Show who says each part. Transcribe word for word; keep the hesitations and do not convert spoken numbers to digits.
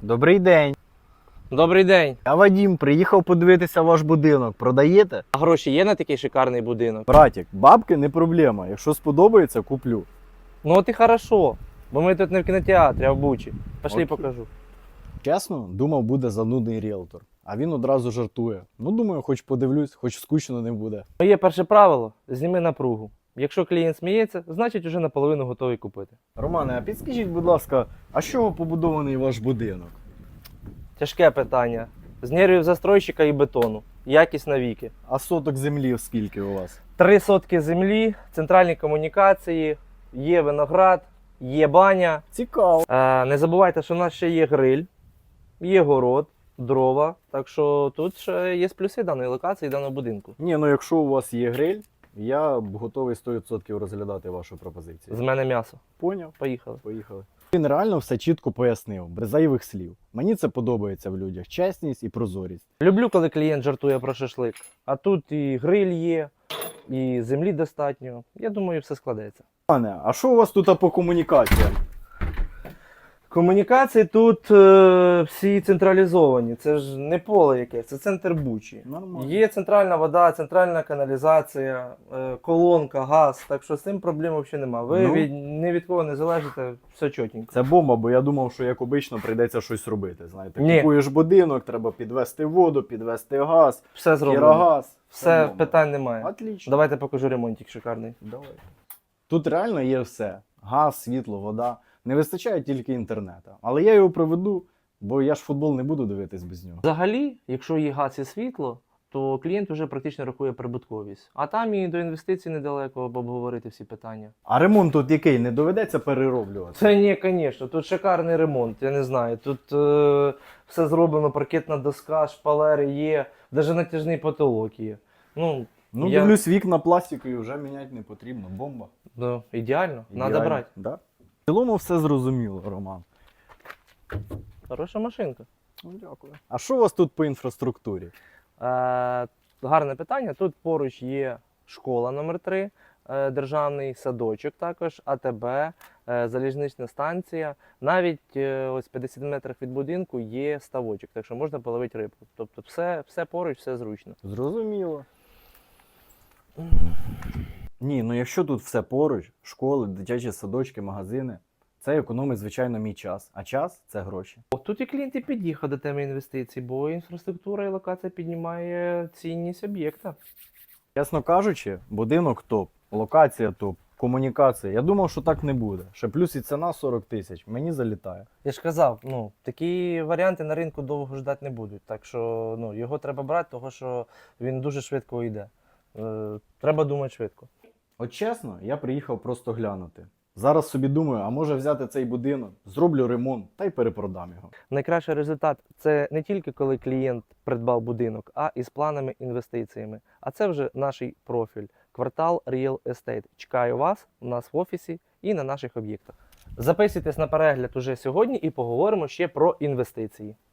Speaker 1: Добрий день.
Speaker 2: Добрий день.
Speaker 1: Я Вадим, приїхав подивитися ваш будинок. Продаєте?
Speaker 2: А гроші є на такий шикарний будинок?
Speaker 1: Братік, бабки не проблема. Якщо сподобається, куплю.
Speaker 2: Ну от і хорошо. Бо ми тут не в кінотеатрі, а в Бучі. Пошли
Speaker 1: Окей.
Speaker 2: покажу.
Speaker 1: Чесно, думав, буде занудний ріелтор. А він одразу жартує. Ну, думаю, хоч подивлюсь, хоч скучно не буде.
Speaker 2: Моє перше правило – зніми напругу. Якщо клієнт сміється, значить уже наполовину готовий купити.
Speaker 1: Романе, а підскажіть, будь ласка, а з чого побудований ваш будинок?
Speaker 2: Тяжке питання. З нервів застройщика і бетону. Якість навіки.
Speaker 1: А соток землі скільки у вас?
Speaker 2: Три сотки землі, центральні комунікації, є виноград, є баня.
Speaker 1: Цікаво.
Speaker 2: Е, не забувайте, що в нас ще є гриль, є город, дрова. Так що тут ще є плюси даної локації, даного будинку.
Speaker 1: Ні, ну якщо у вас є гриль, я б готовий сто відсотків розглядати вашу пропозицію.
Speaker 2: З мене м'ясо.
Speaker 1: Поняв?
Speaker 2: Поїхали.
Speaker 1: Поїхали. Він реально все чітко пояснив, без зайвих слів. Мені це подобається в людях. Чесність і прозорість.
Speaker 2: Люблю, коли клієнт жартує про шашлик. А тут і гриль є, і землі достатньо. Я думаю, все складеться.
Speaker 1: Пане, а що у вас тут по комунікаціям?
Speaker 2: Комунікації тут е, всі централізовані. Це ж не поле якесь, це центр Бучі.
Speaker 1: Нормально.
Speaker 2: Є центральна вода, центральна каналізація, е, колонка, газ. Так що з цим проблем взагалі немає. Ви
Speaker 1: Ну.
Speaker 2: від, ні від кого не залежите, все чотенько.
Speaker 1: Це бомба, бо я думав, що як обично прийдеться щось робити. Знаєте,
Speaker 2: Ні.
Speaker 1: купуєш будинок, треба підвести воду, підвести газ,
Speaker 2: Все зроблено.
Speaker 1: кірогаз.
Speaker 2: Все,
Speaker 1: бомба.
Speaker 2: питань немає.
Speaker 1: Отлично.
Speaker 2: Давайте покажу ремонтик шикарний.
Speaker 1: Давай. Тут реально є все: газ, світло, вода. Не вистачає тільки інтернету. Але я його проведу, бо я ж футбол не буду дивитись без нього.
Speaker 2: Взагалі, якщо є газ і світло, то клієнт вже практично рахує прибутковість. А там і до інвестицій недалеко, аби обговорити всі питання.
Speaker 1: А ремонт тут який? Не доведеться перероблювати?
Speaker 2: Це ні, звісно, тут шикарний ремонт, я не знаю. Тут е, все зроблено, паркетна доска, шпалери є, навіть натяжний потолок є. Ну,
Speaker 1: Ну,
Speaker 2: я...
Speaker 1: дивлюсь, вікна пластикові вже міняти не потрібно. Бомба.
Speaker 2: ну ідеально, треба
Speaker 1: Ідеально.
Speaker 2: брати.
Speaker 1: Да? В цілому все зрозуміло, Роман.
Speaker 2: Хороша машинка.
Speaker 1: Ну, дякую. А що у вас тут по інфраструктурі?
Speaker 2: Е, гарне питання. Тут поруч є школа номер три, е, державний садочок також, АТБ, е, залізнична станція. Навіть е, ось п'ятдесят метрів від будинку є ставочок, так що можна половити рибку. Тобто все, все поруч, все зручно.
Speaker 1: Зрозуміло. Ні, ну якщо тут все поруч, школи, дитячі садочки, магазини, це економить, звичайно, мій час. А час – це гроші.
Speaker 2: О, тут і клієнт і під'їхав до теми інвестицій, бо інфраструктура і локація піднімає цінність об'єкта.
Speaker 1: Чесно кажучи, будинок топ, локація топ, комунікація. Я думав, що так не буде. Ще плюс і ціна сорок тисяч. Мені залітає.
Speaker 2: Я ж казав, ну, такі варіанти на ринку довго ждати не будуть. Так що ну, його треба брати, тому що він дуже швидко йде. Е, треба думати швидко.
Speaker 1: От чесно, я приїхав просто глянути. Зараз собі думаю, а може взяти цей будинок, зроблю ремонт та й перепродам його.
Speaker 2: Найкращий результат – це не тільки коли клієнт придбав будинок, а і з планами інвестиціями. А це вже наш профіль – квартал Real Estate. Чекаю вас у нас в офісі і на наших об'єктах. Записуйтесь на перегляд уже сьогодні і поговоримо ще про інвестиції.